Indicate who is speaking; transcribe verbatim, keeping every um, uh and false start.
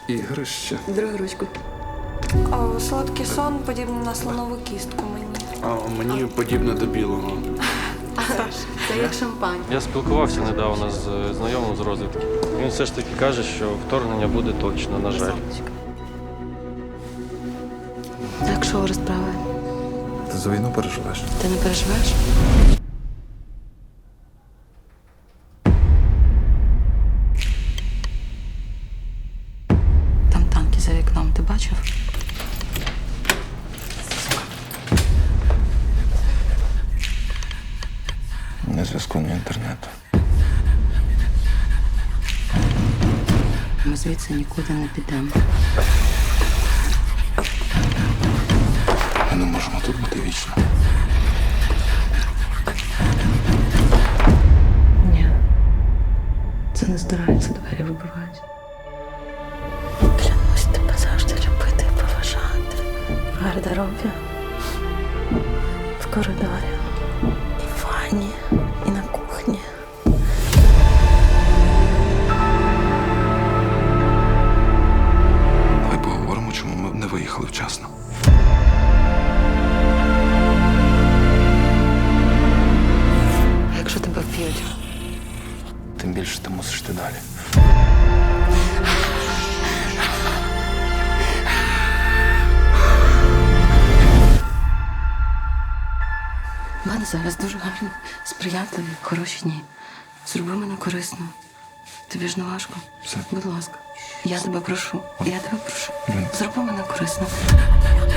Speaker 1: Ігрище.
Speaker 2: Другу ручку.
Speaker 3: О, солодкий сон подібний на слонову кістку мені.
Speaker 1: А мені подібне до білого.
Speaker 2: Це як шампань.
Speaker 4: Я спілкувався недавно з знайомим з розвідки. Він все ж таки каже, що вторгнення буде точно, на жаль.
Speaker 2: Так, що розправи?
Speaker 1: Ти за війну переживеш?
Speaker 2: Ти не переживаєш? Там танки за вікном, ти бачив?
Speaker 1: Не зв'язку, ні інтернету.
Speaker 2: Ми звідси нікуди не підемо.
Speaker 1: Ми не можемо тут бути вічно.
Speaker 2: Ні. Це не здирається, двері вибивають. Клянусь тебе завжди любити і поважати. В гардеробі, в коридорі, і в ванні, і на кухні.
Speaker 1: Давай поговоримо, чому ми не виїхали вчасно.
Speaker 2: А якщо тебе вб'ють?
Speaker 1: Тим більше ти мусиш йти далі.
Speaker 2: У мене зараз дуже гарні, сприятливі, хороші дні. Зроби мене корисно. Тобі ж не важко.
Speaker 1: Все.
Speaker 2: Будь ласка. Я тебе прошу. Я тебе прошу.
Speaker 1: Блін.
Speaker 2: Зроби мене корисно.